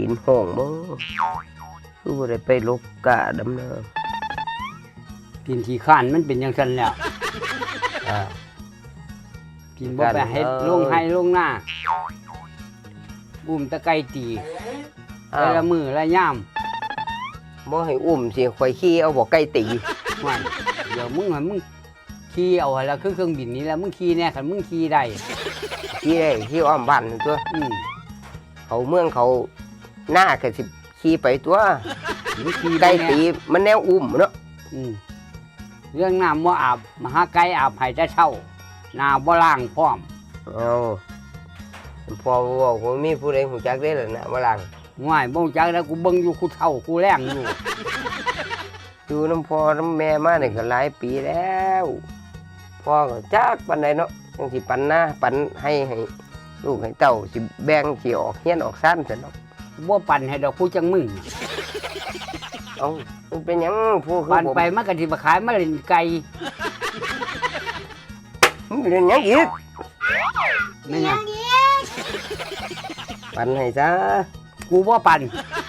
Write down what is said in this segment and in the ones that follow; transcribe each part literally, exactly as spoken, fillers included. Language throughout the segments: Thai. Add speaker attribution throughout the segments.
Speaker 1: นห้องบ่คือบ่ได้ไปลกกะดำน้ำ
Speaker 2: กินขี้ข้านมันเป็นอย่างนั้นแล้ว
Speaker 1: อ่า
Speaker 2: กินบ่ไปเฮ็ดลงให้ลงหน้าอุ้มตะไคร้ตีแต่ละมือละย่าม
Speaker 1: บ่ให้อุ้มสิข่อยขี่เอาบ่ไก่ตี
Speaker 2: ว่าเดี๋ยวมึงให้มึงขี่เอาให้แล้วคือเครื่องบินนี้แล้วมึงขี่แน่คันมึงขี่ได้
Speaker 1: ขี่ได้ขี่อ้อมบ้านตัว
Speaker 2: อืม
Speaker 1: เขาเมืองเขาหน้าก็สิขี่ไปตัว
Speaker 2: มึงขี่
Speaker 1: ไก่
Speaker 2: ได้
Speaker 1: ตี
Speaker 2: แน่
Speaker 1: มันแนวอุ้มเนาะ
Speaker 2: อืมเรื่องน้ำบ่อาบมหาไก่อาบให้แต่เช้าน้าบ่ล้างพร้อม
Speaker 1: เอาพอบอกว่ามีผู้ใดหูจักได้ล่ะนะว่าลัง
Speaker 2: ง่ายบ่จักแล้วกูเบิ่งอยู่กูเฒ่ากูแรงอยู่
Speaker 1: อยู่น้ำพ่อน้ำแม่มาเนี่ยก็หลายปีแล้วพ่อก็จักปันใดเนาะจังสิปันหน้าปันให้ให้ลูกให้เต้าสิแบ่งสิออกเฮียนออกซ่านซะเนาะ
Speaker 2: บ่ปั่นให้ดอกผู้จังมึง
Speaker 1: เอ้ามันเป็นหยังผู้คือ
Speaker 2: ปั่น
Speaker 1: ผม
Speaker 2: ไปมันก็สิมาขายมาเล่นไก่
Speaker 1: มันเป็นหยังอีก
Speaker 2: แม่นหยัง
Speaker 1: ปันให้ซะ
Speaker 2: กูบ่ปั่น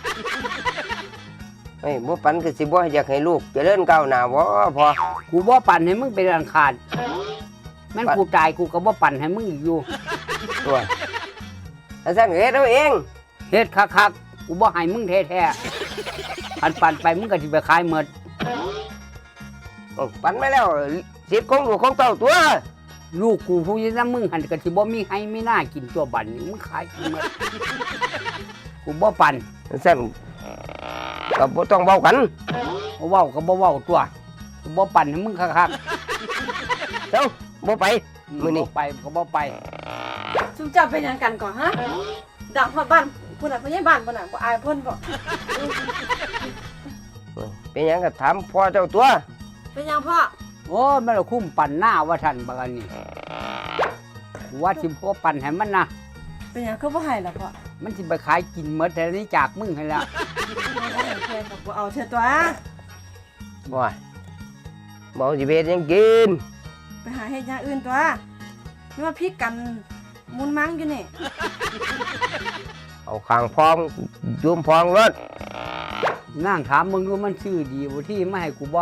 Speaker 1: เฮ้ยบ่ปันก็สิบ่อยากให้ลูกเจริญก้าวหน้าบ่พอ
Speaker 2: กูบ่ปั่นให้มึงเป็นอันขาดแม่น
Speaker 1: ปั่น
Speaker 2: กูตายกูก็บ่ปั่นให้มึงอีกอยู่
Speaker 1: ตัวถ้าซั่นก็เฮ็ดเอาเอง
Speaker 2: เฮ็ดคักๆกูบ่ให้มึงแท้ๆปั่นปั่นไปมึงก็สิไปขายหมด
Speaker 1: เอาปันไปแล้วสิทธิ์ของลูกของเต้าตัว
Speaker 2: ลูกกูผู้อยังนำมึงหันก็สิบ่มีให้มีหน้ากินตัวบัดนี้มึงขายกูหมดกูบ่ปั่น
Speaker 1: ถ้าซั่นก็บ่ต้องเว้ากัน
Speaker 2: บ่เว้าก็บ่เว้าตัวกูบ่ปั่นให้มึงคัก
Speaker 1: เจ้าบ่ไป
Speaker 2: ๆ
Speaker 1: มื้อนี้
Speaker 2: บ่ไปก็บ่ไป
Speaker 3: ซุมเจ้าเป็นหยังกันก่อนฮะดังฮอดบ้านพุ่นน่ะพ่อใหญ่บ้านพุ่นน่ะบ่อายเพิ่นบ่
Speaker 1: เป็นหยังก็ถามพ่อเจ้าตัว
Speaker 3: เป็นหยังพ่อ
Speaker 2: โอ้ยมันละคุ้มปั่นหน้าว่าท่านบักอันนี้กูว่าสิบ่ปั่นให้มันนะ
Speaker 3: เป็นหยังคือบ่ให้ล่ะพ่อ
Speaker 2: มันสิไปขายกินหมดแต่นี้จากมึงให้แล้ว
Speaker 3: เอาเพื่อนก็บ่เอาเทื่อตัว
Speaker 1: บ่บ่สิไปเฮ็ดหยังกิน
Speaker 3: ไปหาเฮ็ดอย่างอื่นตัวนี่ว่าพิกกันมุนมังอยู่นี่
Speaker 1: เอาข้างพองยุมพองรถ
Speaker 2: นั่งถามมึงดูมันชื่อดีบ่ที่ไม่ให้กูบ่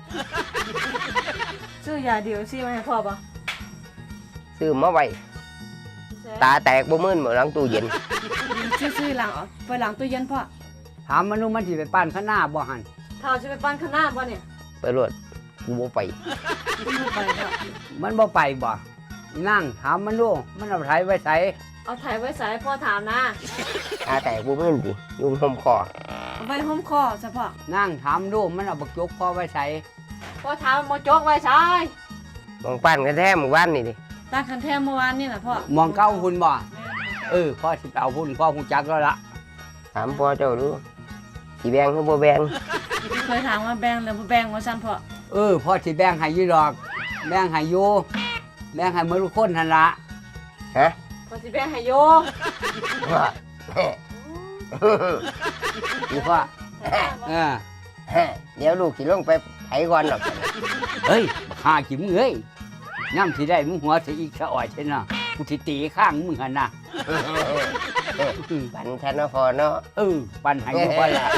Speaker 3: ซื้อยาเดียวสิมาให้พ่อบ่
Speaker 1: ซื้อมาไว้ตาแตกบ่มื่นบ่หลังตู้เย็น
Speaker 3: ซื้อๆหลังเอาไปหลังตู้เย็นพ่อ
Speaker 2: ถามมันดูมันสิไปปั้นข้างหน้าบ่หัน
Speaker 3: ถ้าจะไปปั้นข้างหน้าบ่เนี่ย
Speaker 1: ไปรถกูบ่ไป
Speaker 3: บ่ไปพ่อ
Speaker 2: มันบ่ไปบ่นั่งถามมันดูมันเอาไถไว้ไส
Speaker 3: เอาถ่ายไว้ใส่พ่อถามนะ
Speaker 1: ตาแตกบ่มื่นสิยุมห่มคอ
Speaker 3: เอาไว้ห้อมคอซะพ่อ
Speaker 2: นั่งถามดูมันเอาบักจกพอไว้ไส
Speaker 3: พ่อถามบ่จกไว้ใส่
Speaker 1: มองปั้นกันแท้หมู่บ้านนี่ดิ
Speaker 3: ตั้งคันแท้เมื่อวานนี่น่ะพ่อ
Speaker 2: มองเก้าหุ่นบ่เออพ่อสิไปเอาหุ่นพ่อฮู้จักแล้วล่ะ
Speaker 1: ถามพ่อเจ้าดูสิแบ่งหรือบ่แบ่ง
Speaker 3: เคยถามว่าแบ่งหรือบ่แบ่งว่าซั่นพ่อ
Speaker 2: เออพ่อสิแบ่งให้อยู่ดอกแบ่งให้อยู่แบ่งให้หมดทุกคนหั่นล่ะ
Speaker 1: ฮะ
Speaker 3: พ่อสิแบ่งให้โย
Speaker 1: ว่า
Speaker 2: อีพ่อเออ
Speaker 1: เดี๋ยวลูกสิลงไปไถก่อนหรอก
Speaker 2: เฮ้ยบักหากิมเอ้ยย่ำสิได้มึงหัวสิอีกซะอ่อยใช่น่ะกูสิตีข้างมึงหั่นน่ะ
Speaker 1: ปันทันเนาะพ่อเนาะ
Speaker 2: เออปั่นให้อยู่บ่ล่ะ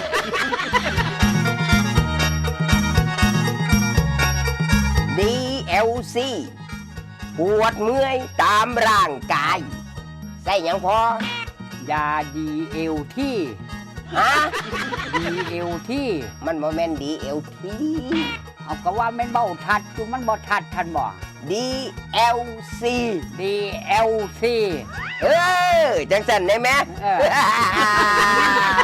Speaker 1: ดี แอล ซี ปวดเมื่อยตามร่างกายใส่หยังพอย
Speaker 2: าดีเอลที่
Speaker 1: ฮะ
Speaker 2: ดีเอลที่
Speaker 1: มันบ่แม่นดี แอล ที
Speaker 2: เอาก็ว่าแม่นเบ้าทัดอยู่มันบ่ทัดทันบ่
Speaker 1: ดี แอล ซี
Speaker 2: ดีเอลซี
Speaker 1: เออจังสันได้ไหม
Speaker 2: เออ